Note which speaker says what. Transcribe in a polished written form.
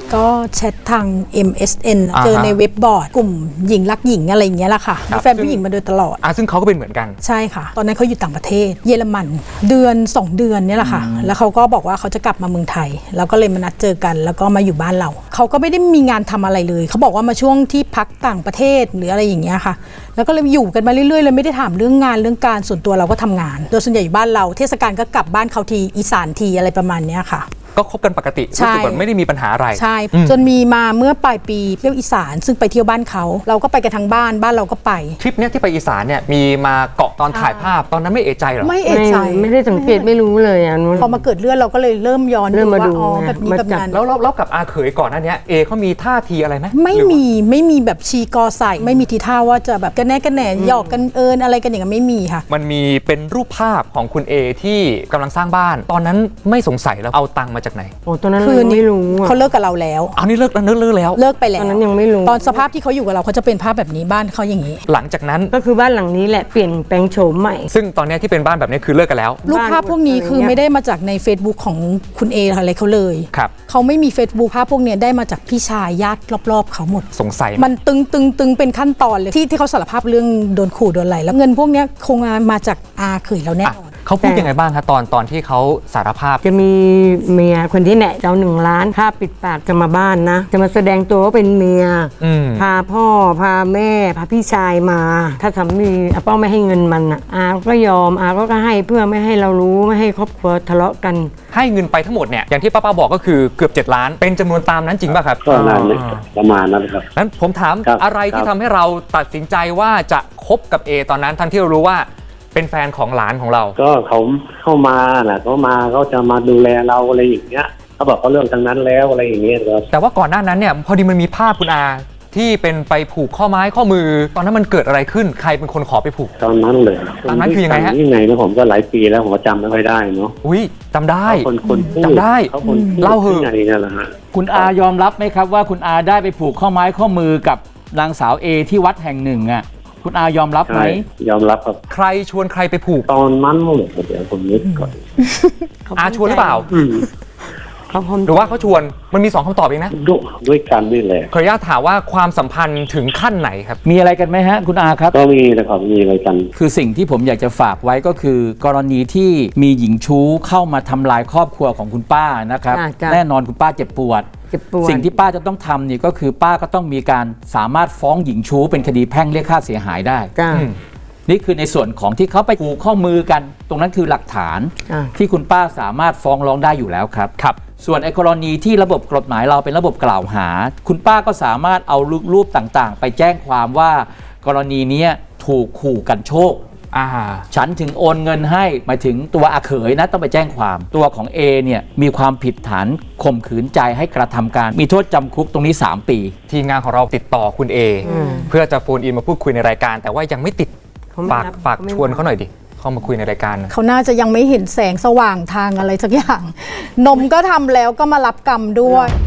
Speaker 1: ก็แชททาง MSN เจอในเว็บบอร์ดกลุ่มหญิงรักหญิงอะไรอย่างเงี้ยแหละค่ะมีแฟนผู้หญิงมาโดยตลอด
Speaker 2: ซึ่งเขาก็เป็นเหมือนกัน
Speaker 1: ใช่ค่ะตอนนั้นเขาอยู่ต่างประเทศเยอรมันเดือน2 เดือนเนี่ยแหละค่ะแล้วเขาก็บอกว่าเขาจะกลับมาเมืองไทยแล้วก็เลยมานัดเจอกันแล้วก็มาอยู่บ้านเราเขาก็ไม่ได้มีงานทำอะไรเลยเขาบอกว่ามาช่วงที่พักต่างประเทศหรืออะไรอย่างเงี้ยค่ะแล้วก็เลยอยู่กันมาเรื่อยๆเลยไม่ได้ถามเรื่องงานเรื่องการส่วนตัวเราก็ทำงานโดยส่วนใหญ่อยู่บ้านเราเทศกาลก็กลับบ้านเขาทีอีสานทีอะไรประมาณเนี้ยค่ะ
Speaker 2: ก็คบกันปกติรู้สึกว่าไม่ได้มีปัญหาอะไร
Speaker 1: ใช่จนมีมาเมื่อปลายปีเที่ยวอีสานซึ่งไปเที่ยวบ้านเขาเราก็ไปกันทั้งบ้านเราก็ไป
Speaker 2: ทริปเนี้ยที่ไปอีสานเนี่ยมีมาเกาะตอนถ่ายภาพตอนนั้นไม่เอะใจหรอ
Speaker 1: ไม่เอะใจ
Speaker 3: ไม่ได้สังเกตไม่รู้เลย
Speaker 1: พอมาเกิดเรื่องเราก็เลยเริ่มย้อน
Speaker 3: มาดู
Speaker 1: ว่าแบบนี้แบบนั้น
Speaker 2: แล้วกับอาเขยก่อนหน้านี้เขามีท่าทีอะไรไหม
Speaker 1: ไม่มีแบบชีกอใส่ไม่มีทีท่าว่าจะแบบกันแน่หยอกกันอะไรกันอย่างนั้นไม่มีค่ะ
Speaker 2: มันมีเป็นรูปภาพของคุณเอที่กำลังสร้างบ้านตอนนั้นไม่สงสัยแล้วเอาตังค์มาจากไหน
Speaker 3: ตอนนั้นคือไม่รู้
Speaker 1: เขาเลิกกับเราแล้ว
Speaker 2: นี่เลิกแล้ว
Speaker 1: เลิกไปแล้ว
Speaker 3: ตอนนั้นยังไม่รู้
Speaker 1: ตอนสภาพที่เขาอยู่กับเราเขาจะเป็นภาพแบบนี้บ้านเขาอย่างนี้
Speaker 2: หลังจากนั้น
Speaker 3: ก็คือบ้านหลังนี้แหละเปลี่ยนแปลงโฉมใหม่
Speaker 2: ซึ่งตอนนี้ที่เป็นบ้านแบบนี้คือเลิกกันแล้ว
Speaker 1: รูปภาพพวกนี้คือไม่ได้มาจากใน Facebook ของคุณเออะไรเขาเลยเขาไม่มี Facebook ภาพพวกนี้ได้มาจากพี่ชายญาติรอบๆเขาหมด
Speaker 2: สงสัย
Speaker 1: มันตึงเป็นขั้นตอนเลยที่เขาสารภาพเรื่องโดนขู่โดนอะไรแล้วเงินพวกนี้คงมาจากอาเขยเราแน่
Speaker 2: เขาพูดยังไงบ้างคะตอนที่เขาสารภาพ
Speaker 3: จะมีเมียคนที่แหนะเจ้า1 ล้านค่าปิดปากจะมาบ้านนะจะมาแสดงตัวว่าเป็นเมียพาพ่อพาแม่พาพี่ชายมาถ้าสามีอาเป้าไม่ให้เงินมันอาก็ยอมอาก็ให้เพื่อไม่ให้เรารู้ไม่ให้ครอบครัวทะเลาะกัน
Speaker 2: ให้เงินไปทั้งหมดเนี่ยอย่างที่ป้าบอกก็คือเกือบ7 ล้านเป็นจำนวนตามนั้นจริงป่ะครับ
Speaker 4: ก็ประมาณนั้นครับ
Speaker 2: นั้นผมถามอะไรที่ทำให้เราตัดสินใจว่าจะคบกับเอตอนนั้นทั้งที่เรารู้ว่าเป็นแฟนของหลานของเรา
Speaker 4: ก็เขาเข้ามาเขาจะมาดูแลเราอะไรอย่างเงี้ยเขาบอกเขาเรื่องทางนั้นแล้วอะไรอย่างเงี้ยครับ
Speaker 2: แต่ว่าก่อนหน้านั้นเนี่ยพอดีมันมีภาพคุณอาที่เป็นไปผูกข้อไม้ข้อมือตอนนั้นมันเกิดอะไรขึ้นใครเป็นคนขอไปผูก
Speaker 4: ตอนนั้นเลย
Speaker 2: ตอนนั้นคือยังไงฮะ
Speaker 4: ยังไงนะผมก็หลายปีแล้วผมจำไม่ค่อยได้เนาะ
Speaker 2: จำได้
Speaker 4: จ
Speaker 2: ำได้เล่าเหอะ
Speaker 5: คุณอายอมรับไหมครับว่าคุณอาได้ไปผูกข้อไม้ข้อมือกับนางสาวเอที่วัดแห่งหนึ่งอ่ะคุณอายอมรับไหม
Speaker 4: ยอมรับครับ
Speaker 2: ใครชวนใครไปผูก
Speaker 4: ตอนนั้นเลยเดี๋ยวผมนึกก่อน
Speaker 2: อาชวนหรือเปล่าหรือว่าเขาชวนมันมี2 คำตอบเองนะ
Speaker 4: ด้วยกันนี่แหละ
Speaker 2: ขออนุญาตถามว่าความสัมพันธ์ถึงขั้นไหนครับ
Speaker 5: มีอะไรกันไหมฮะคุณอาครับ
Speaker 4: ก็มีนะครับมีอะไรกัน
Speaker 5: คือสิ่งที่ผมอยากจะฝากไว้ก็คือกรณีที่มีหญิงชู้เข้ามาทำลายครอบครัวของคุณป้านะครับแน่นอนคุณป้าเจ็บปวดสิ่งที่ป้าจะต้องทำนี่ก็คือป้าก็ต้องมีการสามารถฟ้องหญิงชู้เป็นคดีแพ่งเรียกค่าเสียหายได้นี่คือในส่วนของที่เขาไปผูกข้อมือกันตรงนั้นคือหลักฐานที่คุณป้าสามารถฟ้องร้องได้อยู่แล้วครับส่วนกรณีที่ระบบกฎหมายเราเป็นระบบกล่าวหาคุณป้าก็สามารถเอารูปต่างๆไปแจ้งความว่ากรณีนี้ถูกขู่กันโชคฉันถึงโอนเงินให้หมายถึงตัวอาเขยนะต้องไปแจ้งความตัวของเอเนี่ยมีความผิดฐานข่มขืนใจให้กระทำการมีโทษจำคุกตรงนี้3 ปี
Speaker 2: ทีมงานของเราติดต่อคุณเอเพื่อจะโฟนอินมาพูดคุยในรายการแต่ว่ายังไม่ติดฝากชวนเขาหน่อยดิเข้ามาคุยในรายการ
Speaker 1: เขาน่าจะยังไม่เห็นแสงสว่างทางอะไรสักอย่างนมก็ทำแล้วก็มารับกรรมด้วย